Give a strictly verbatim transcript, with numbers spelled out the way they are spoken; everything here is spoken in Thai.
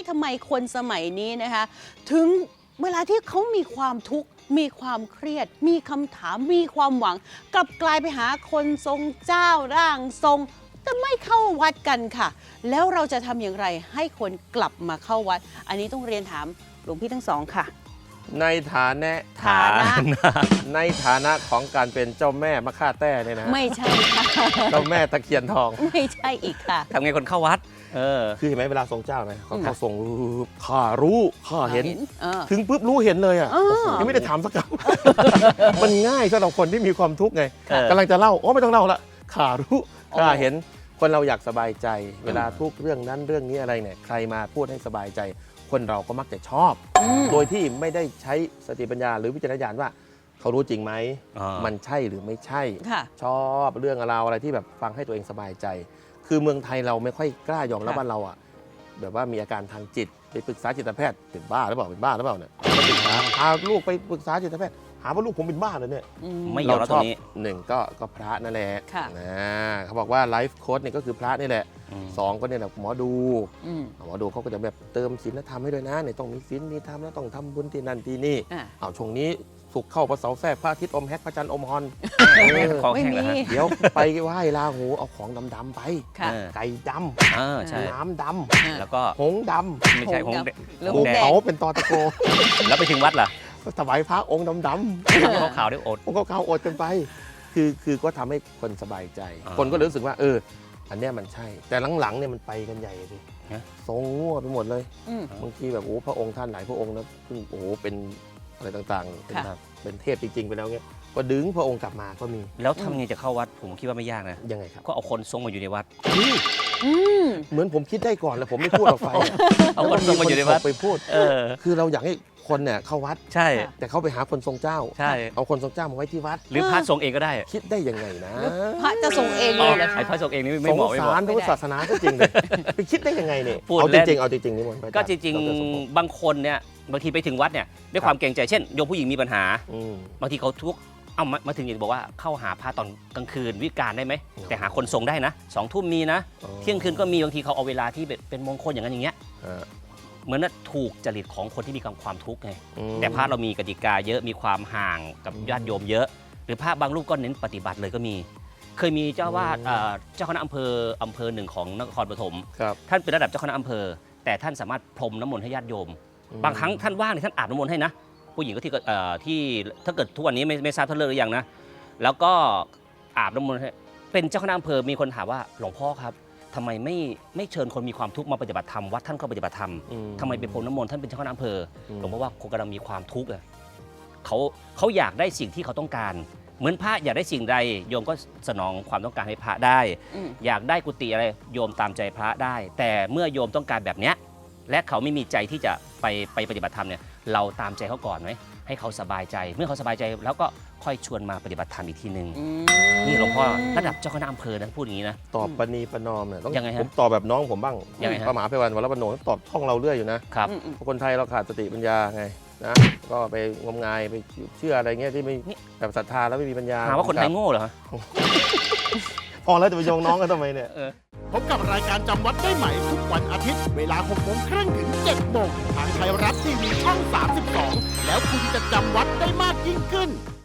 ทำไมคนสมัยนี้นะคะถึงเวลาที่เขามีความทุกข์มีความเครียดมีคำถามมีความหวังกลับกลายไปหาคนทรงเจ้าร่างทรงแต่ไม่เข้าวัดกันค่ะแล้วเราจะทำอย่างไรให้คนกลับมาเข้าวัดอันนี้ต้องเรียนถามหลวงพี่ทั้งสองค่ะในฐานะฐานะในฐานะของการเป็นเจ้าแม่มะค่าแต้เนี่ยนะไม่ใช่ค่ะเจ้าแม่ตะเคียนทองไม่ใช่อีกค่ะทำไงคนเข้าวัดเออคือเห็นไหมเวลาทรงเจ้านะเขาเขาทรงข้ารู้ข้าเห็นเออถึงปุ๊บรู้เห็นเลยอ่ะเออยังไม่ได้ถามสักคำ มันง่ายสำหรับคนที่มีความทุกข์ไงกำลังจะเล่าโอ้ไม่ต้องเล่าละข้ารู้ข้าเห็นคนเราอยากสบายใจ เวลาทุกเรื่องนั้นเรื่องนี้อะไรเนี่ยใครมาพูดให้สบายใจคนเราก็มักจะชอบ โดยที่ไม่ได้ใช้สติปัญญาหรือวิจารณญาณว่าเขารู้จริงไหมมันใช่หรือไม่ใช่ชอบเรื่องราวอะไรที่แบบฟังให้ตัวเองสบายใจคือเมืองไทยเราไม่ค่อยกล้ายอมรับว่าเราอ่ะแบบว่ามีอาการทางจิตไปปรึกษาจิตแพทย์เป็นบ้าหรือเปล่าเป็นบ้าหรือเปล่าเนี่ยพาลูกไปปรึกษาจิตแพทย์หาว่าลูกผมเป็นบ้าเลยเนี่ยไม่ยอมรับตรงนี้หนึ่งก็ก็พระนั่นแหละนะเขาบอกว่าไลฟ์โค้ชเนี่ยก็คือพระนี่แหละสองก็เนี่ยแหละหมอดูหมอดูเขาก็จะแบบเติมศีลธรรมให้ด้วยนะเนี่ยต้องมีศีลมีธรรมแล้วต้องทำบุญที่นั่นที่นี่เอาช่วงนี้สุกเข้าพระเสาแทรกพระอาทิตย์อมแฮกพระจันทร์อมฮอนของแห้งนะเดี๋ยวไปไหว้ลาหูเอาของดำๆไปไก่ดำน้ำดำแล้วก็หงดำไม่ใช่หงแดงเขาเป็นตอตะโกแล้วไปถึงวัดล่ะถวายพระองค์ดำๆเขาขาวได้อดองค์ขาวอดกันไปคือคือก็ทำให้คนสบายใจคนก็รู้สึกว่าเอออันเนี้ยมันใช่แต่หลังๆเนี่ยมันไปกันใหญ่สิทรงงัวไปหมดเลยบางทีแบบโอ้พระองค์ท่านหลายพระองค์นะเพิ่งโอ้เป็นอะไรต่างๆเป็นเป็นเทพจริงๆไปแล้วเงี้ยก็ดึงพระองค์กลับมาก็มีแล้วทำไงจะเข้าวัดผมคิดว่าไม่ยากนะยังไงครับก็เอาคนทรงมาอยู่ในวัดเหมือนผมคิดได้ก่อนแล้วผมไม่พูดออกไปเอาคนทรงมาอยู่ในวัดไปพูดคือเราอยากให้คนเนี่ยเข้าวัดใช่แต่เขาไปหาคนทรงเจ้าใช่เอาคนทรงเจ้ามาไว้ที่วัดหรือพระทรงเองก็ได้คิดได้ยังไงนะพระจะทรงเองเลยเหรอไอ้พระทรงเองนี่ไม่เหมาะไม่เหมาะสงสารพุทธศาสนาก็จริงเลยไปคิดได้ยังไงเนี่ยเอาจริงๆเอาจริงๆนี่มันก็จริงๆบางคนเนี่ยบางทีไปถึงวัดเนี่ยด้วยความเกรงใจเช่นโยมผู้หญิงมีปัญหาบางทีเขาทุกเอามาถึงอย่างบอกว่าเข้าหาพระตอนกลางคืนวิการได้ไหมแต่หาคนทรงได้นะสองทุ่มมีนะเที่ยงคืนก็มีบางทีเขาเอาเวลาที่เป็นมงคลอย่างนั้นอย่างเงี้ยเหมือนว่าถูกจริตของคนที่มีความทุกข์ไงแต่พระเรามีกติกาเยอะมีความห่างกับญาติโยมเยอะหรือพระบางรูปก็เน้นปฏิบัติเลยก็มีเคยมีเจ้าวาดเจ้าคณะอำเภออำเภอหนึ่งของนครปฐมท่านเป็นระดับเจ้าคณะอำเภอแต่ท่านสามารถพรมน้ำมนต์ให้ญาติโยมบางครั้งท่านว่างท่านอาบน้ำมนต์ให้นะผู้หญิงก็ที่ที่ถ้าเกิดทุกวันนี้ไม่ไม่ทราบท่านเลิกหรือยังนะแล้วก็อาบน้ำมนต์ให้เป็นเจ้าคณะอำเภอมีคนถามว่าหลวงพ่อครับทำไมไม่ไม่เชิญคนมีความทุกข์มาปฏิบัติธรรมวัดท่านก็ปฏิบัติธรรมทำไมเป็นพรมน้ำมนต์ท่านเป็นเจ้าคณะอำเภอหลวงพ่อว่าคนกำลังมีความทุกข์อ่ะเขาเขาอยากได้สิ่งที่เขาต้องการเหมือนพระอยากได้สิ่งใดโยมก็สนองความต้องการให้พระได้อยากได้กุฏิอะไรโยมตามใจพระได้แต่เมื่อโยมต้องการแบบเนี้ยและเขาไม่มีใจที่จะไปไปปฏิบัติธรรมเนี่ยเราตามใจเขาก่อนไหมให้เขาสบายใจเมื่อเขาสบายใจแล้วก็ค่อยชวนมาปฏิบัติธรรมอีกทีหนึ่งนี่หลวงพ่อระดับเจ้าคณะอำเภอนะพูดอย่างนี้นะตอบปณีประนอมเนี่ยต้องยังไงฮะผมตอบแบบน้องผมบ้างยังไงพระมหาไพวันวรปโนตอบท่องเราเรื่อยอยู่นะครับคนไทยเราขาดสติปัญญาไงนะก็ไปงมงายไปเชื่ออะไรเงี้ยที่ไม่แบบศรัทธาแล้วไม่มีปัญญาหาว่าคนไทยโง่เหรอพอแล้วจะไปโยงน้องกันทำไมเนี่ยพบกับรายการจำวัดได้ใหม่ทุกวันอาทิตย์เวลาหกโมงครึ่งถึงเจ็ดโมงทางไทยรัฐทีวีช่องสามสิบสองแล้วคุณจะจำวัดได้มากยิ่งขึ้น